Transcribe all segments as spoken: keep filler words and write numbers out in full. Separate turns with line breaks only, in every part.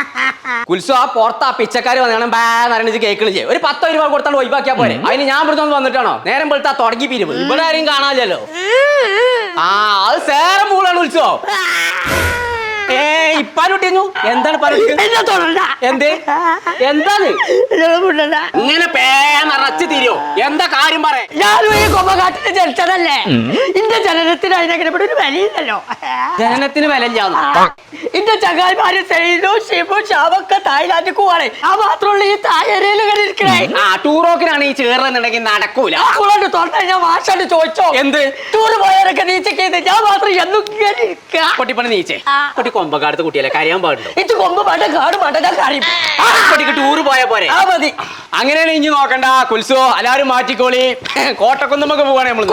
കുൽസു ആ പുറത്ത് ആ പിച്ചക്കാര് വന്നാണ് ബാന്ന് കേൾക്കണ ചെയ്യും. ഒരു പത്തോ രൂപ കൊടുത്താണ്ട് ഒഴിവാക്കിയാ പോരെ. അതിന് ഞാൻ ഇവിടുന്ന് വന്നിട്ടാണോ നേരം വെളുത്താ തുടങ്ങി പിരിവ്. ഇവിടെ ആരും കാണാനില്ലല്ലോ. ആ അത് സേരം മൂളാണ് ഉത്സവം. ഏ ഇപ്പാരുട്ടിഞ്ഞു എന്താണ് എന്ത് എന്താണ് ഇങ്ങനെ പേറച്ച് തിരിയോ? എന്താ കാര്യം പറയാ?
ഞാനും ഈ കൊമ്പകാട്ടിന് ജനിച്ചതല്ലേ. ഇന്റെ ജനനത്തിന് അതിനെങ്ങനെ ഒരു വിലയില്ലല്ലോ.
ജനനത്തിന് വിലയില്ലാന്ന്
ഇന്റെ ചങ്ങായിമാര് സെയിലോ ഷിബു ഷാവൊക്കെ തായ്ലാൻഡിൽ പോവാണ്. ആ മാത്രമുള്ള ഈ തായരയിൽ ഇരിക്കണേ.
ആ ടൂറോക്കിനാണ് ഈ ചേർന്നുണ്ടെങ്കിൽ നടക്കൂല.
തൊണ്ട ഞാൻ മാഷാണ്ട് ചോദിച്ചോ എന്ത് ടൂറ് പോയവരൊക്കെ നീച്ചൊക്കെ ഞാൻ മാത്രം എന്നും
പൊട്ടിപ്പണി നീച്ചേ പൊട്ടി കൊമ്പക്കാടത്ത് കുട്ടിയല്ലേ കരയാൻ പാടുണ്ടോ?
ഇത് കൊമ്പ് പാട്ട കാട് പാട്ട ഞാൻ കരയും.
പൊട്ടിക്ക് ടൂറ് പോയാ പോരെ.
ആ മതി.
അങ്ങനെയാണ് ഇനി നോക്കണ്ട കുൽസു. എല്ലാരും മാറ്റിക്കോളി. കോട്ടക്കുന്നുമൊക്കെ പോവാണ് നമ്മള്.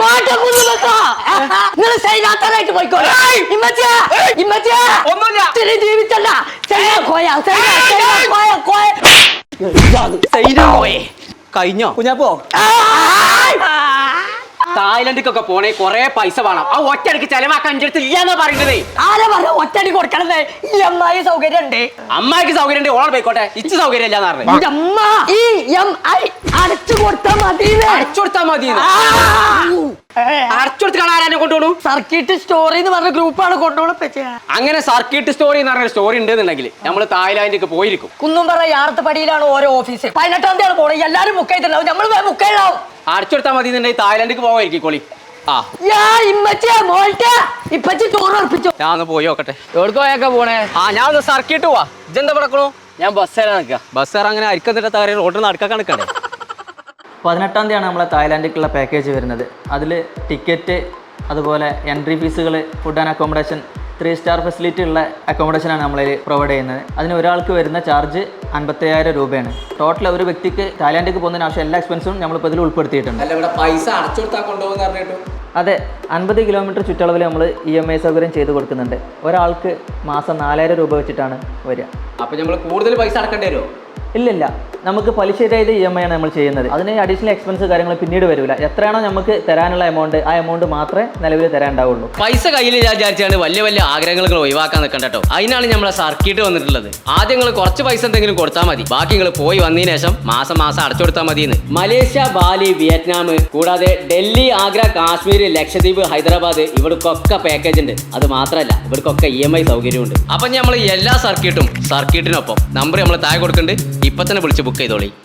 പോയിക്കോളെ. ഒന്നുമില്ല ജീവിച്ചല്ല
കഴിഞ്ഞോ കുഞ്ഞാപ്പോ? തായ്ലൻഡിക്കൊക്കെ പോണേ കൊറേ പൈസ വേണം. ആ ഒറ്റയടിക്ക് ചെലവാക്കാൻ അടുത്ത് ഇല്ലാന്നാ പറയുന്നത്.
ആരാ പറഞ്ഞ ഒറ്റയടി കൊടുക്കണത്? ഈ അമ്മായി സൗകര്യം ഉണ്ട്.
അമ്മായിക്ക് സൗകര്യം ഉണ്ട്. ഓളെ പോയിക്കോട്ടെ. ഇച്ച് സൗകര്യം ഇല്ലാന്ന് പറഞ്ഞു.
അമ്മ ഈ എം ഐ അടച്ചു കൊടുത്താ മതി.
അടച്ചു കൊടുത്താ മതി. അടച്ചുകൊടുത്ത് കാണാനെ കൊണ്ടുപോകണു.
സർക്കിട്ട് സ്റ്റോറി എന്ന് പറഞ്ഞ ഗ്രൂപ്പാണ് കൊണ്ടുപോകണം.
അങ്ങനെ സർക്കിട്ട് സ്റ്റോറി എന്ന് പറഞ്ഞ സ്റ്റോറി ഉണ്ടെന്നുണ്ടെങ്കിൽ നമ്മൾ തായ്ലാൻഡിലേക്ക് പോയിരിക്കും.
കുന്നുംപറ യാർത്തപ്പടിയിലാണ് ഓരോ ഓഫീസ്. പതിനെട്ടാം തീയതി പോണേ. എല്ലാരും മുക്കായിട്ടുണ്ടാവും. നമ്മൾ മുക്കായിടാവും.
അടച്ചുകൊടുത്താൽ മതി എന്നുണ്ടെങ്കിൽ തായ്ലാൻഡിലേക്ക് പോവായിരിക്കും. ആ ഞാൻ ഒന്ന് പോയി നോക്കട്ടെ.
എവിടെയൊക്കെ പോണേ?
ആ ഞാൻ ഒന്ന് സർക്കിട്ട് പോവാ. ഇജെന്താ കിടക്കണു?
ഞാൻ ബസ്സേരാ നിൽക്കുക.
ബസ്സേർ അങ്ങനെ അരിക്കന്നിട്ട് കാര്യം റോഡിൽ നടക്കാൻ നിൽക്കണ്ടേ?
പതിനെട്ടാം തീയതിയാണ് നമ്മളെ തായ്ലാൻഡിലേക്കുള്ള പാക്കേജ് വരുന്നത്. അതിൽ ടിക്കറ്റ്, അതുപോലെ എൻട്രി ഫീസുകൾ, food and accommodation, three star facility ഉള്ള അക്കോമഡേഷനാണ് നമ്മളതിൽ പ്രൊവൈഡ് ചെയ്യുന്നത്. അതിന് ഒരാൾക്ക് വരുന്ന ചാർജ് അൻപത്തയ്യായിരം രൂപയാണ്. ടോട്ടൽ ഒരു വ്യക്തിക്ക് തായ്ലാൻഡിലേക്ക് പോകുന്നതിന് ആവശ്യം എല്ലാ എക്സ്പെൻസും നമ്മളിപ്പോൾ ഇതിൽ ഉൾപ്പെടുത്തിയിട്ടുണ്ട്.
അല്ല ഇവിടെ പൈസ അടച്ചു കൊടുത്താൽ കൊണ്ടുപോകുന്ന പറഞ്ഞിട്ടു.
അതെ, അൻപത് കിലോമീറ്റർ ചുറ്റളവിൽ നമ്മൾ ഇ എം ഐ സൗകര്യം ചെയ്ത് കൊടുക്കുന്നുണ്ട്. ഒരാൾക്ക് മാസം നാലായിരം രൂപ വെച്ചിട്ടാണ് വരിക.
അപ്പോൾ നമ്മൾ കൂടുതൽ പൈസ അടക്കേണ്ടി വരുമോ?
ഇല്ലില്ല, നമുക്ക് പലിശരഹിത ഇ എം ഐ ആണ് നമ്മൾ ചെയ്യുന്നത്. അതിന് അഡീഷണൽ എക്സ്പെൻസ് കാര്യങ്ങൾ പിന്നീട് വരില്ല. എത്രയാണോ നമുക്ക് തരാനുള്ള എമൗണ്ട് ആ എമൗണ്ട് മാത്രമേ നിലവിൽ തരാനുണ്ടാവുള്ളൂ.
പൈസ കയ്യിൽ വിചാരിച്ചാണ് വലിയ വലിയ ആഗ്രഹങ്ങൾ ഒഴിവാക്കാൻ നിൽക്കണ്ട കേട്ടോ. അതിനാണ് നമ്മളെ സർക്കിട്ട് വന്നിട്ടുള്ളത്. ആദ്യം നിങ്ങൾ കുറച്ച് പൈസ എന്തെങ്കിലും കൊടുത്താൽ മതി. ബാക്കി നിങ്ങൾ പോയി വന്നതിന് ശേഷം മാസം മാസം അടച്ചു കൊടുത്താൽ മതി. മലേഷ്യ, ബാലി, വിയറ്റ്നാം കൂടാതെ ഡൽഹി, ആഗ്ര, കാശ്മീർ, ലക്ഷദ്വീപ്, ഹൈദരാബാദ് ഇവിടേക്കൊക്കെ പാക്കേജ് ഉണ്ട്. അത് മാത്രമല്ല ഇവിടേക്കൊക്കെ ഇ എം ഐ സൗകര്യമുണ്ട്. അപ്പം നമ്മൾ എല്ലാ സർക്കിട്ടും സർക്കിട്ടിനൊപ്പം നമ്പർ നമ്മൾ താഴെ കൊടുക്കുന്നുണ്ട്. ഇപ്പൊ തന്നെ വിളിച്ച് ബുക്ക് ചെയ്തോളി.